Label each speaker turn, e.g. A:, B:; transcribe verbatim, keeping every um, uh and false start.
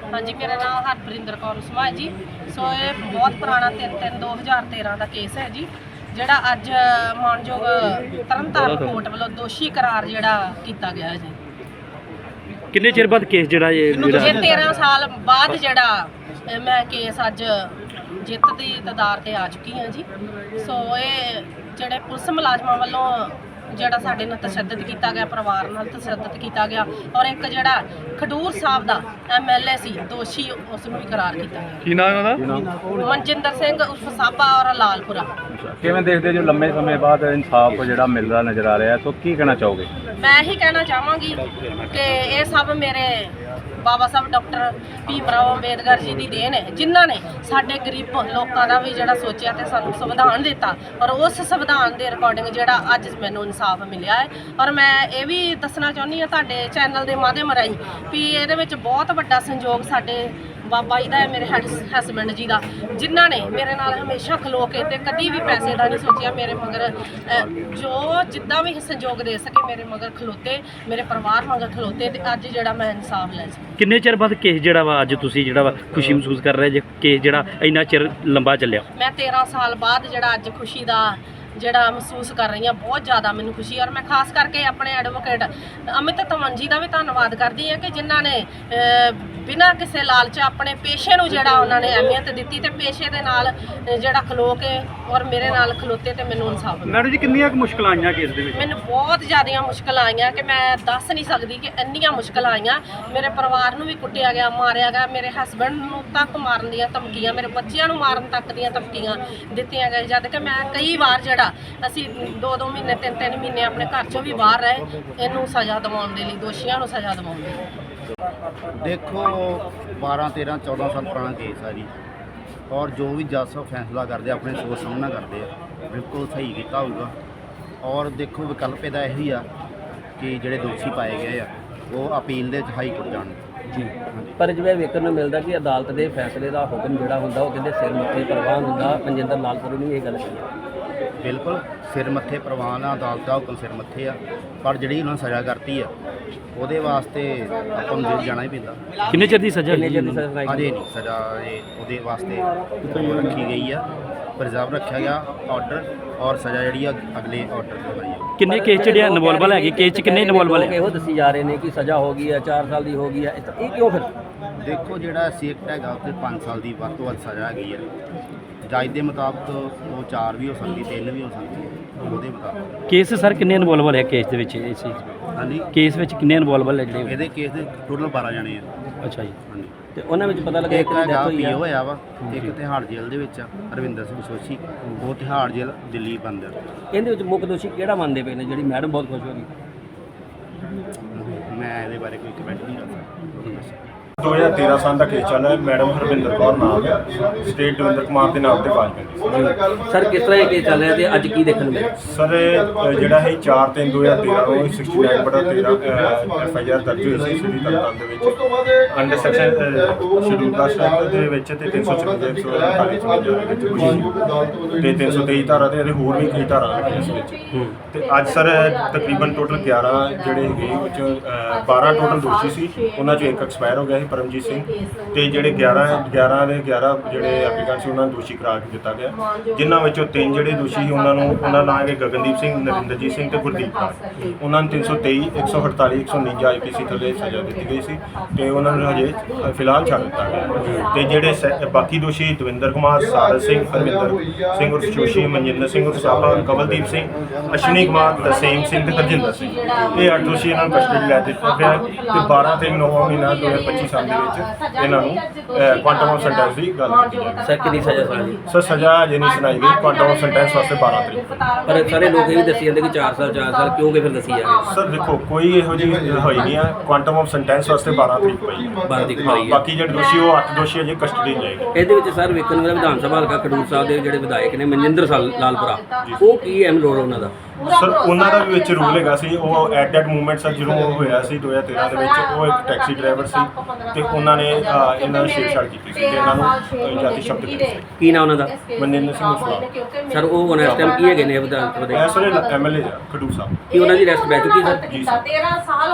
A: हाँ जी, मेरा नाम हरपरिंदर कौर उस्मा है जी। सो ये बहुत पुराना तीन तीन दो हज़ार तेरह का केस है जी, ਜਿਹੜਾ ਅੱਜ ਮਾਨਯੋਗ ਤਰਨਤਾਰਨ ਕੋਰਟ ਵੱਲੋਂ ਦੋਸ਼ੀ ਕਰਾਰ ਜਿਹੜਾ ਕੀਤਾ ਗਿਆ ਹੈ ਜੀ।
B: ਕਿੰਨੇ ਚਿਰ ਬਾਅਦ ਕੇਸ ਜਿਹੜਾ ਇਹ
A: ਇਹ तेरह ਸਾਲ ਬਾਅਦ ਜਿਹੜਾ ਮੈਂ ਕੇਸ ਅੱਜ ਜਿੱਤ ਦੀ ਤਦਾਰ ਤੇ ਆ ਚੁੱਕੀ ਹਾਂ ਜੀ। ਸੋ ਇਹ ਜਿਹੜੇ ਪੁਲਿਸ ਮੁਲਾਜ਼ਮਾਂ ਵੱਲੋਂ ਜਿਹੜਾ ਸਾਡੇ ਨਾਲ ਤਸ਼ੱਦਦ ਕੀਤਾ ਗਿਆ, ਪਰਿਵਾਰ ਨਾਲ ਤਸ਼ੱਦਦ ਕੀਤਾ ਗਿਆ, ਔਰ ਇੱਕ ਜਿਹੜਾ ਖਡੂਰ ਸਾਹਿਬ ਦਾ ਐਮ ਐਲ ਏ ਸੀ ਦੋਸ਼ੀ, ਉਸ ਨੂੰ ਵੀ ਕਰਾਰ ਕੀਤਾ ਗਿਆ।
B: ਕੀ ਨਾਮ ਉਹਦਾ?
A: ਮਨਜਿੰਦਰ ਸਿੰਘ ਉਰਫ ਸਾਬਾ ਔਰ ਲਾਲਪੁਰਾ।
C: ਕਿਵੇਂ ਦੇਖਦੇ ਜੋ ਲੰਮੇ ਸਮੇਂ ਬਾਅਦ ਇਨਸਾਫ ਜਿਹੜਾ ਮਿਲਦਾ ਨਜ਼ਰ ਆ ਰਿਹਾ, ਸੋ ਕੀ ਕਹਿਣਾ ਚਾਹੋਗੇ?
A: ਮੈਂ ਇਹੀ ਕਹਿਣਾ ਚਾਹਾਂਗੀ ਕਿ ਇਹ ਸਭ ਮੇਰੇ ਬਾਬਾ ਸਾਹਿਬ ਡਾਕਟਰ ਭੀਮ ਰਾਓ ਅੰਬੇਦਕਰ ਜੀ ਦੀ ਦੇਣ ਹੈ, ਜਿਨ੍ਹਾਂ ਨੇ ਸਾਡੇ ਗਰੀਬ ਲੋਕਾਂ ਦਾ ਵੀ ਜਿਹੜਾ ਸੋਚਿਆ ਤੇ ਸਾਨੂੰ ਸੰਵਿਧਾਨ ਦਿੱਤਾ, ਔਰ ਉਸ ਸੰਵਿਧਾਨ ਦੇ ਰਿਕਾਰਡਿੰਗ ਜਿਹੜਾ ਅੱਜ ਮੈਨੂੰ ਇਨਸਾਫ ਮਿਲਿਆ ਹੈ। ਔਰ ਮੈਂ ਇਹ ਵੀ ਦੱਸਣਾ ਚਾਹੁੰਦੀ ਹਾਂ ਤੁਹਾਡੇ ਚੈਨਲ ਦੇ ਮਾਧਿਅਮ ਰਾਹੀਂ ਵੀ ਇਹਦੇ ਵਿੱਚ ਬਹੁਤ ਵੱਡਾ ਸੰਯੋਗ ਸਾਡੇ ਬਾਬਾ ਜੀ ਦਾ ਹੈ, ਮੇਰੇ ਹਸਬੈਂਡ ਜੀ ਦਾ, ਜਿਨ੍ਹਾਂ ਨੇ ਮੇਰੇ ਨਾਲ ਹਮੇਸ਼ਾ ਖਲੋ ਕੇ ਤੇ ਕਦੀ ਵੀ ਪੈਸੇ ਦਾ ਨਹੀਂ ਸੋਚਿਆ। ਮੇਰੇ ਮਗਰ ਜੋ ਜਿੱਦਾਂ ਵੀ ਸਹਿਯੋਗ ਦੇ ਸਕੇ ਮੇਰੇ ਮਗਰ ਖਲੋਤੇ, ਮੇਰੇ ਪਰਿਵਾਰ ਮਗਰ ਖਲੋਤੇ, ਤੇ ਅੱਜ ਜਿਹੜਾ ਮੈਂ ਇਨਸਾਫ ਲੈ ਸਕੀ।
B: ਕਿੰਨੇ ਚਿਰ ਬਾਅਦ ਕੇਸ ਜਿਹੜਾ ਵਾ ਅੱਜ ਤੁਸੀਂ ਜਿਹੜਾ ਵਾ ਖੁਸ਼ੀ ਮਹਿਸੂਸ ਕਰ ਰਹੇ ਜੇ ਕੇਸ ਜਿਹੜਾ ਇੰਨਾ ਚਿਰ ਲੰਬਾ ਚੱਲਿਆ?
A: ਮੈਂ ਤੇਰਾਂ ਸਾਲ ਬਾਅਦ ਜਿਹੜਾ ਅੱਜ ਖੁਸ਼ੀ ਦਾ ਜਿਹੜਾ ਮਹਿਸੂਸ ਕਰ ਰਹੀ ਹਾਂ, ਬਹੁਤ ਜ਼ਿਆਦਾ ਮੈਨੂੰ ਖੁਸ਼ੀ। ਔਰ ਮੈਂ ਖਾਸ ਕਰਕੇ ਆਪਣੇ ਐਡਵੋਕੇਟ ਅਮਿਤ ਧਵਨ ਜੀ ਦਾ ਵੀ ਧੰਨਵਾਦ ਕਰਦੀ ਹਾਂ ਕਿ ਜਿਨ੍ਹਾਂ ਨੇ ਬਿਨਾਂ ਕਿਸੇ ਲਾਲਚ ਆਪਣੇ ਪੇਸ਼ੇ ਨੂੰ ਜਿਹੜਾ ਉਹਨਾਂ ਨੇ ਅਹਿਮੀਅਤ ਦਿੱਤੀ ਤੇ ਪੇਸ਼ੇ ਦੇ ਨਾਲ ਜਿਹੜਾ ਖਲੋ ਕੇ ਔਰ ਮੇਰੇ ਨਾਲ ਖਲੋਤੇ ਤੇ ਮੈਨੂੰ ਇਨਸਾਫ ਮਿਲਿਆ।
B: ਮੈਡਮ ਜੀ ਕਿੰਨੀਆਂ ਕੁ ਮੁਸ਼ਕਲਾਂ ਆਈਆਂ ਕੇਸ ਦੇ ਵਿੱਚ?
A: ਮੈਨੂੰ ਬਹੁਤ ਜ਼ਿਆਦੀਆਂ ਮੁਸ਼ਕਲਾਂ ਆਈਆਂ ਕਿ ਮੈਂ ਦੱਸ ਨਹੀਂ ਸਕਦੀ ਕਿ ਇੰਨੀਆਂ ਮੁਸ਼ਕਲਾਂ ਆਈਆਂ। ਮੇਰੇ ਪਰਿਵਾਰ ਨੂੰ ਵੀ ਕੁੱਟਿਆ ਗਿਆ, ਮਾਰਿਆ ਗਿਆ, ਮੇਰੇ ਹਸਬੈਂਡ ਨੂੰ ਤੱਕ ਮਾਰਨ ਦੀਆਂ ਧਮਕੀਆਂ, ਮੇਰੇ ਬੱਚਿਆਂ ਨੂੰ ਮਾਰਨ ਤੱਕ ਦੀਆਂ ਧਮਕੀਆਂ ਦਿੱਤੀਆਂ ਗਈਆਂ, ਜਦ ਕਿ ਮੈਂ ਕਈ ਵਾਰ ਜਿਹੜਾ ਅਸੀਂ ਦੋ ਦੋ ਮਹੀਨੇ ਤਿੰਨ ਤਿੰਨ ਮਹੀਨੇ ਆਪਣੇ ਘਰ ਚੋਂ ਵੀ ਬਾਹਰ ਰਹੇ ਇਹਨੂੰ ਸਜ਼ਾ ਦਿਵਾਉਣ ਦੇ ਲਈ, ਦੋਸ਼ੀਆਂ ਨੂੰ ਸਜ਼ਾ ਦਿਵਾਉਣ ਦੇ ਲਈ।
D: ਦੇਖੋ ਬਾਰਾਂ ਤੇਰਾਂ ਚੌਦਾਂ ਸਾਲ ਪੁਰਾਣਾ ਕੇਸ ਆ ਜੀ, ਔਰ ਜੋ ਵੀ ਜੱਜ ਸਾਹਿਬ ਫੈਸਲਾ ਕਰਦੇ ਆਪਣੇ ਸੋਚ ਸਮਝ ਨਾਲ ਕਰਦੇ ਆ, ਬਿਲਕੁਲ ਸਹੀ ਕੀਤਾ ਹੋਊਗਾ। ਔਰ ਦੇਖੋ ਵਿਕਲਪ ਇਹਦਾ ਇਹੀ ਆ ਕਿ ਜਿਹੜੇ ਦੋਸ਼ੀ ਪਾਏ ਗਏ ਆ ਉਹ ਅਪੀਲ ਦੇ ਹਾਈ ਕੋਰਟ ਜਾਣ
E: ਜੀ। ਪਰ ਜਿਵੇਂ ਵੇਖਣ ਨੂੰ ਮਿਲਦਾ ਕਿ ਅਦਾਲਤ ਦੇ ਫੈਸਲੇ ਦਾ ਹੁਕਮ ਜਿਹੜਾ ਹੁੰਦਾ ਉਹ ਕਹਿੰਦੇ ਸਿਰ ਮੱਥੇ ਪ੍ਰਵਾਨ ਹੁੰਦਾ। ਮਨਜਿੰਦਰ ਲਾਲਪੁਰਾ ਨੇ ਇਹ ਗੱਲ ਕਹੀ।
D: ਬਿਲਕੁਲ ਸਿਰ ਮੱਥੇ ਪ੍ਰਵਾਨ ਆ, ਅਦਾਲਤ ਦਾ ਹੁਕਮ ਸਿਰ ਮੱਥੇ ਆ, ਪਰ ਜਿਹੜੀ ਉਹਨਾਂ ਸਜ਼ਾ ਕਰਤੀ ਆ ਉਹਦੇ ਵਾਸਤੇ ਆਪਾਂ ਨੂੰ ਜੇਲ੍ਹ ਜਾਣਾ ਹੀ ਪੈਂਦਾ।
B: ਕਿੰਨੇ ਚਿਰ ਦੀ ਸਜ਼ਾ?
E: ਕਿੰਨੇ ਚਿਰ ਦੀ ਸਜ਼ਾ ਸੁਣਾਈ?
D: ਅਜੇ ਨਹੀਂ ਸਜ਼ਾ, ਇਹ ਉਹਦੇ ਵਾਸਤੇ ਰੱਖੀ ਗਈ ਆ, ਪ੍ਰਿਜ਼ਰਵ ਰੱਖਿਆ ਗਿਆ ਆਰਡਰ, ਔਰ ਸਜ਼ਾ ਜਿਹੜੀ ਆ ਅਗਲੇ ਆਰਡਰ ਤੇ ਹੋਈ ਆ।
B: ਕਿੰਨੇ ਕੇਸ ਜਿਹੜੇ ਇਨਵੋਲਵਲ ਹੈਗੇ? ਕੇਸ 'ਚ ਕਿੰਨੇ ਇਨਵੋਲਵਲ ਹੈ?
E: ਇਹੋ ਦੱਸੀ ਜਾ ਰਹੇ ਨੇ ਕਿ ਸਜ਼ਾ ਹੋ ਗਈ ਹੈ, ਚਾਰ ਸਾਲ ਦੀ ਹੋ ਗਈ ਹੈ, ਇਹ ਕਿਉਂ ਫਿਰ?
D: ਦੇਖੋ ਜਿਹੜਾ ਸੀ ਐਕਟ ਹੈਗਾ ਉੱਤੇ ਪੰਜ ਸਾਲ ਦੀ ਵੱਧ ਤੋਂ ਵੱਧ ਸਜ਼ਾ ਹੈਗੀ ਹੈ। ਜੱਜ ਦੇ ਮੁਤਾਬਕ ਉਹ ਚਾਰ ਵੀ ਹੋ ਸਕਦੀ, ਤਿੰਨ ਵੀ ਹੋ ਸਕਦੀ ਹੈ ਉਹਦੇ ਮੁਤਾਬਕ।
B: ਕੇਸ ਸਰ ਕਿੰਨੇ ਇਨਵੋਲਵਲ ਹੈ ਕੇਸ ਦੇ ਵਿੱਚ? ਇਸ ਚੀਜ਼
D: ਹਾਂਜੀ,
B: ਕੇਸ ਵਿੱਚ ਕਿੰਨੇ ਇਨਵੋਲਵਲ ਹੈ ਜਿਹੜੇ?
D: ਇਹਦੇ ਕੇਸ ਦੇ ਟੋਟਲ ਬਾਰਾਂ ਜਾਣੇ ਆ।
B: ਅੱਛਾ ਜੀ।
D: ਹਾਂਜੀ,
E: ਤੇ ਉਹਨਾਂ ਵਿੱਚ ਪਤਾ ਲੱਗਾ
D: ਇੱਕ ਹੈਗਾ
E: ਡੈਥ ਹੋਈ
D: ਪੀਓ
E: ਆ।
D: ਹੋਇਆ ਵਾ, ਇੱਕ ਤਿਹਾੜ ਜੇਲ੍ਹ ਦੇ ਵਿੱਚ ਆ ਰਵਿੰਦਰ ਸਿੰਘ ਸੋਸ਼ੀ, ਉਹ ਤਿਹਾੜ ਜੇਲ੍ਹ ਦਿੱਲੀ ਬੰਦ ਆ।
E: ਇਹਦੇ ਵਿੱਚ ਮੁੱਖ ਦੋਸ਼ੀ ਕਿਹੜਾ ਮੰਨਦੇ ਪਏ ਨੇ? ਜਿਹੜੀ ਮੈਡਮ ਬਹੁਤ ਖੁਸ਼ ਹੋ ਗਈ।
D: ਮੈਂ ਇਹਦੇ ਬਾਰੇ ਕੋਈ ਕਮੈਂਟ ਨਹੀਂ ਕਰ ਸਕਦਾ।
F: ਦੋ ਹਜ਼ਾਰ ਤੇਰਾਂ ਸਾਲ ਦਾ ਕੇਸ ਚੱਲ ਰਿਹਾ। ਮੈਡਮ ਹਰਵਿੰਦਰ ਕੌਰ ਨਾਮ ਹੈ, ਸਟੇਟ ਦਵਿੰਦਰ ਕੁਮਾਰ ਦੇ ਨਾਮ ਤੇ ਫਾਈਲ ਕੀਤੀ।
E: ਸਰ ਕਿਸ ਤਰ੍ਹਾਂ ਇਹ ਕੇਸ ਚੱਲ ਰਿਹਾ ਤੇ ਅੱਜ ਕੀ ਦੇਖਣ ਨੂੰ ਮਿਲਿਆ?
F: ਸਰ ਇਹ ਜਿਹੜਾ ਹੈ ਚਾਰ ਤਿੰਨ ਦੋ ਹਜ਼ਾਰ ਤੇਰਾਂ ਨੂੰ ਸਿਕਸਟੀ ਨਾਈਨ ਬਟਾ ਤੇਰਾਂ ਐਫ ਆਈ ਆਰ ਦਰਜ ਹੋਈ ਸੀ ਸਿਟੀ ਤਰਨਤਾਰਨ ਦੇ ਵਿੱਚ under section scheduled caste act ਦੇ ਵਿੱਚ ਤੇ ਤਿੰਨ ਸੌ ਚੁਰਾਨਵੇਂ ਇੱਕ ਸੌ ਅੜਤਾਲੀ ਦੇ ਵਿੱਚ ਹੋਈ ਤੇ ਤਿੰਨ ਸੌ ਤੇਈ ਧਾਰਾ ਤੇ ਹੋਰ ਵੀ ਕਈ ਧਾਰਾ ਨੇ ਇਸ ਵਿੱਚ। ਤੇ ਅੱਜ ਸਰ ਤਕਰੀਬਨ ਟੋਟਲ ਗਿਆਰਾਂ ਜਿਹੜੇ ਹੈਗੇ ਉਹ 'ਚ ਬਾਰਾਂ ਟੋਟਲ ਦੋਸ਼ੀ ਸੀ, ਉਹਨਾਂ 'ਚੋਂ ਇੱਕ ਐਕਸਪਾਇਰ ਹੋ ਗਿਆ ਸੀ ਪਰਮਜੀਤ ਸਿੰਘ, ਤੇ ਜਿਹੜੇ ਗਿਆਰਾਂ ਗਿਆਰਾਂ ਦੇ ਗਿਆਰਾਂ ਜਿਹੜੇ ਐਪਲੀਕੈਂਟ ਸੀ ਉਹਨਾਂ ਨੂੰ ਦੋਸ਼ੀ ਕਰਾਰ ਦਿੱਤਾ ਗਿਆ, ਜਿਨ੍ਹਾਂ ਵਿੱਚੋਂ ਤਿੰਨ ਜਿਹੜੇ ਦੋਸ਼ੀ ਸੀ ਉਹਨਾਂ ਨੂੰ ਉਹਨਾਂ ਨਾਂ ਹੈਗੇ ਗਗਨਦੀਪ ਸਿੰਘ, ਨਰਿੰਦਰਜੀਤ ਸਿੰਘ ਤੇ ਗੁਰਦੀਪ ਰਾਜ। ਉਹਨਾਂ ਨੂੰ ਤਿੰਨ ਸੌ ਤੇਈ ਇੱਕ ਸੌ ਅੜਤਾਲੀ ਇੱਕ ਸੌ ਉਣੰਜਾ ਆਈ ਪੀ ਸੀ ਥੱਲੇ ਸਜ਼ਾ ਦਿੱਤੀ ਗਈ ਸੀ ਤੇ ਉਹਨਾਂ ਨੂੰ ਹਜੇ ਫਿਲਹਾਲ ਛੱਡ ਦਿੱਤਾ ਗਿਆ। ਤੇ ਜਿਹੜੇ ਬਾਕੀ ਦੋਸ਼ੀ ਦਵਿੰਦਰ ਕੁਮਾਰ, ਸਾਰਸ ਸਿੰਘ, ਹਰਵਿੰਦਰ ਸਿੰਘ ਉਰਫ ਜੋਸ਼ੀ, ਮਨਜਿੰਦਰ ਸਿੰਘ ਉਰਫ ਸਾਬਾ, ਕਮਲਦੀਪ ਸਿੰਘ, ਅਸ਼ਵਨੀ ਕੁਮਾਰ, ਤਰਸੇਮ ਸਿੰਘ ਤੇ ਹਰਜਿੰਦਰ ਸਿੰਘ, ਇਹ ਅੱਠ ਦੋਸ਼ੀ ਇਹਨਾਂ ਨੂੰ ਕਸਟਡੀ ਲੈ ਦਿੱਤਾ ਗਿਆ ਤੇ ਬਾਰਾਂ ਤੇ ਨੌਂ ਮਹੀਨਾ ਦੋ ਹਜ਼ਾਰ ਪੱਚੀ ਸਾਲ ਦੇ ਵਿੱਚ ਇਹਨਾਂ ਨੂੰ ਕੁਆਂਟਮ ਆਫ ਸੈਂਟੈਂਸ ਦੀ ਗੱਲ ਕੀਤੀ ਜਾਵੇ।
E: ਸਰ ਕਿੰਨੀ ਸਜ਼ਾ ਸੁਣਾਈ?
F: ਸਰ ਸਜ਼ਾ ਅਜੇ ਨਹੀਂ ਸੁਣਾਈ ਗਈ, ਕੁਆਂਟਮ ਆਫ ਸੈਂਟੈਂਸ ਵਾਸਤੇ ਬਾਰਾਂ ਤਰੀਕ।
E: ਪਰ ਸਾਰੇ ਲੋਕ ਇਹ ਵੀ ਦੱਸੀ ਜਾਂਦੇ ਕਿ ਚਾਰ ਸਾਲ ਚਾਰ ਸਾਲ ਕਿਉਂ ਕਿ ਫਿਰ ਦੱਸੀ ਜਾ ਰਹੀ?
F: ਸਰ ਦੇਖੋ ਕੋਈ ਇਹੋ ਜਿਹੀ ਹੋਈ ਨਹੀਂ ਆ, ਕੁਆਂਟਮ ਆਫ ਸੈਂਟੈਂਸ ਵਾਸਤੇ ਬਾਰਾਂ ਤਰੀਕ ਪਈ ਹੈ।
E: ਬਾਰਾਂ ਤਰੀਕ ਪਈ ਹੈ।
F: ਬਾਕੀ ਜਿਹੜੇ ਦੋਸ਼ੀ ਉਹ ਅੱਠ ਦੋਸ਼ੀ ਅਜੇ ਕਸਟਡੀ ਜਾਏਗੇ।
E: ਇਹਦੇ ਵਿੱਚ ਸਰ ਵੇਖਣ ਨੂੰ ਮਿਲਿਆ ਵਿਧਾਨ ਸਭਾ ਹਲਕਾ ਖਡੂਰ ਸਾਹਿਬ ਦੇ ਜਿਹੜੇ ਵਿਧਾਇਕ ਨੇ ਮਨਜਿੰਦਰ ਸਾਲ ਲਾਲਪੁਰਾ, ਉਹ ਕੀ ਅਹਿਮ ਰੋਲ ਉਹਨਾਂ ਦਾ?
F: ਸਰ ਉਹਨਾਂ ਦਾ ਵੀ ਵਿੱਚ ਰੂਲ ਹੈਗਾ ਸੀ। ਉਹ ਐਟ ਦੈਟ ਮੂਵਮੈਂਟ ਸਰ ਜਦੋਂ ਉਹ ਹੋਇਆ ਸੀ ਦੋ ਹਜ਼ਾਰ ਤੇਰਾਂ ਦੇ ਵਿੱਚ, ਉਹ ਇੱਕ ਟੈਕਸੀ ਡਰਾਈਵਰ ਸੀ ਤੇ ਉਹਨਾਂ ਨੇ ਇਹਨਾਂ ਨੂੰ ਛੇੜਛਾੜ ਕੀਤੀ ਸੀ ਤੇ ਇਹਨਾਂ ਨੂੰ ਜਾਤੀ ਸ਼ਬਦ ਦਿੱਤੇ ਸੀ।
E: ਕੀ ਨਾਂ ਉਹਨਾਂ ਦਾ?
F: ਮਨਜਿੰਦਰ ਸਿੰਘ ਉਸਲਾ।
E: ਸਰ ਉਹ ਹੁਣ ਇਸ ਟਾਈਮ ਕੀ ਹੈਗੇ ਨੇ ਵਿਧਾਨ ਸਭਾ ਦੇ?
F: ਇਸ ਵੇਲੇ M L A Khadoor Sahib.
E: ਕੀ ਉਹਨਾਂ ਦੀ ਅਰੈਸਟ ਪੈ ਚੁੱਕੀ ਸਰ?
F: ਜੀ ਸਰ।